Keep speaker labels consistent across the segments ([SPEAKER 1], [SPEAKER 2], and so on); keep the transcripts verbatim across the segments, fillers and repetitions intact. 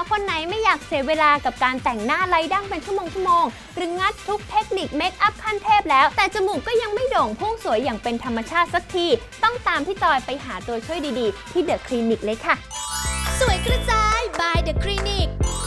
[SPEAKER 1] าวๆคนไหนไม่อยากเสียเวลากับการแต่งหน้าไร้ดั้งเป็นชั่วโมงชั่วโมงหรืองัดทุกเทคนิคเมคอัพขั้นเทพแล้วแต่จมูกก็ยังไม่โด่งพุ่งสวยอย่างเป็นธรรมชาติสักทีต้องตามพี่จอยไปหาตัวช่วยดีๆที่เดอะคลินิกเลยค่ะ
[SPEAKER 2] สวยกระจาย by The Clinic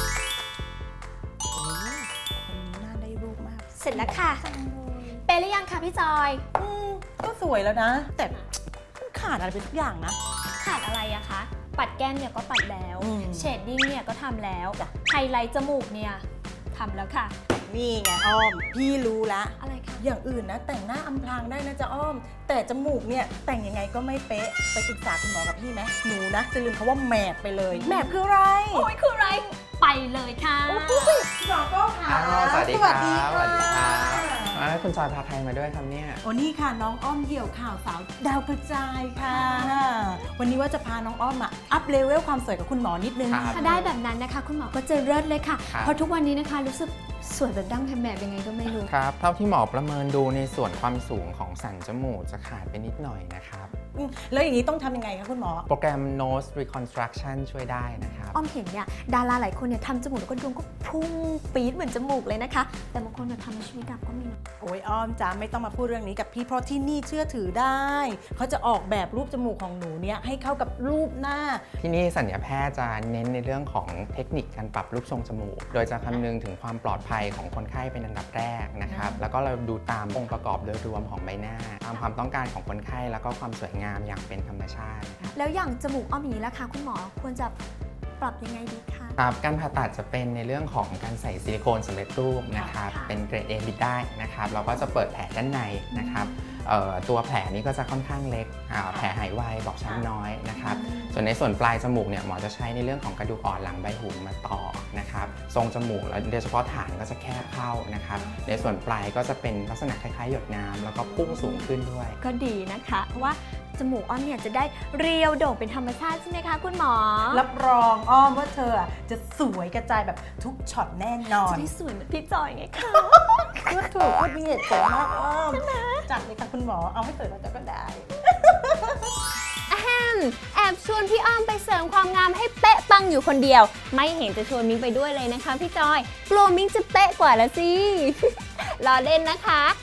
[SPEAKER 3] คนนี้น่าได้รูปมาก
[SPEAKER 2] เสร็จแล้วค่ะ เปย์หรือยังคะพี่จอย
[SPEAKER 3] อืมก็สวยแล้วนะ แต่มันขาดอะไรไปทุกอย่างนะ
[SPEAKER 2] ขาดอะไรอะคะ ปัดแก้มเนี่ยก็ปัดแล้ว
[SPEAKER 3] อืม
[SPEAKER 2] เชดดิ้งเนี่ยก็ทำแล้ว ไฮไลท์จมูกเนี่ยทำแล้วค่ะ
[SPEAKER 3] นี่ไงอ้อม พี่รู้ละ
[SPEAKER 2] อะไรคะ
[SPEAKER 3] อย่างอื่นนะแต่งหน้าอำพรางได้นะจ๊ะอ้อม แต่จมูกเนี่ยแต่งยังไงก็ไม่เป๊ะ ไปปรึกษาคุณหมอกับพี่ไหมหนูนะจะลืมคาว่าแมทไปเลย แมทคืออะไร
[SPEAKER 2] โอ้ยคืออะไร ไปเลยค่ะ
[SPEAKER 3] หมอก็ค่ะ
[SPEAKER 4] อ้าวสวัสดี
[SPEAKER 3] ส
[SPEAKER 4] ค
[SPEAKER 3] วั
[SPEAKER 4] รั
[SPEAKER 3] สดี
[SPEAKER 4] บ
[SPEAKER 3] ค่ะ
[SPEAKER 4] สวัสดีครับอ้าวคุณจอยพาใครมาด้วยครับเนี่ย
[SPEAKER 3] โอ้นี่ค่ะน้องอ้อมเหี่ยวข่าวสาวดาวกระจายค่ะ วันนี้ว่าจะพาน้องอ้อมอะอัพเลเวลความสวยกับคุณหมอนิดนึง
[SPEAKER 4] ครับ
[SPEAKER 2] ถ้าได้แบบนั้นนะคะ คุณหมอก็จะเลิศเลยค่ะ
[SPEAKER 4] ครับ
[SPEAKER 2] เพราะทุกวันนี้นะคะรู้สึกสวยแบบดั้งแหมบยังไงก็ไม่รู้
[SPEAKER 4] ครับ เท่าที่หมอประเมินดูในส่วนความสูงของสันจมูกจะขาดไปนิดหน่อยนะครับ
[SPEAKER 3] อืมแล้วอย่างนี้ต้องทำยังไงคะคุณหมอ
[SPEAKER 4] โปรแกรม nose reconstruction ช่วยได้นะครับ
[SPEAKER 2] อ้อมเห็นเนี่ยดาราหลายคนเนี่ยทำจมูกแล้วก็ดวงก็พุ่งปี๊ดเหมือนจมูกเลยนะคะ แต่บางคนเนี่ยทำในชีวิตดับก็มีนะ
[SPEAKER 3] โอ้ยอ้อมจ้าไม่ต้องมาพูดเรื่องนี้กับพี่เพราะที่นี่เชื่อถือได้ เขาจะออกแบบรูปจมูกของหนูเนี่ยให้เข้ากับรูปหน้า
[SPEAKER 4] ที่นี่สัญญาแพทย์จะเน้นในเรื่องของเทคนิคการปรับรูปทรงจมูก โดยจะคำนึงถึงความปลอดภัยของคนไข้เป็นอันดับแรกนะครับ แล้วก็เราดูตามองค์ประกอบโดยรวมของใบหน้า ตามความต้องการของคนไข้แล้วก็ความสวยงามอย่างเป็นธรรมชาติ
[SPEAKER 2] แล้วอย่างจมูกอ้อมอย่างนี้ล่ะคะคุณหมอควรจะปรับยังไงดีคะ
[SPEAKER 4] ครับการผ่าตัดจะเป็นในเรื่องของการใส่ซิลิโคนสำเร็จรูปนะครับ
[SPEAKER 2] ค่ะ
[SPEAKER 4] เป็นเกรด A บิดได้นะครับเราก็จะเปิดแผลด้านในนะครับเอ่อตัวแผลนี้ก็จะค่อนข้างเล็กอ่าแผลหายไวบอกช้ำน้อยนะครับส่วนในส่วนปลายจมูกเนี่ยหมอจะใช้ในเรื่องของกระดูกอ่อนหลังใบหูมาต่อนะครับทรงจมูกแล้วโดยเฉพาะฐานก็จะแคบเข้านะครับในส่วนปลายก็จะเป็นลักษณะคล้ายๆหยดน้ำแล้วก็พุ่งสูงขึ้นด้วย
[SPEAKER 2] ก็ดีนะคะ เพราะว่าจมูกอ้อมเนี่ยจะได้เรียวโด่งเป็นธรรมชาติใช่ไหมคะคุณหมอ
[SPEAKER 3] รับรองอ้อมว่าเธออะจะสวยกระจายแบบทุกช็อตแน่นอน
[SPEAKER 2] จะได้สวยเหมือนพี่จอยไงคะ
[SPEAKER 3] พูดถูกพูดมีเหตุผลมากอ้อมจัดเลยค่ะคุณหมอเอาให้สวยแล้วจะก็ได้
[SPEAKER 1] อะแฮมแอบชวนพี่อ้อมไปเสริมความงามให้เป๊ะปังอยู่คนเดียว ไม่เห็นจะชวนมิ้งไปด้วยเลยนะคะพี่จอยกลัวมิ้งจะเป๊ะกว่าละสิ รอเล่นนะคะ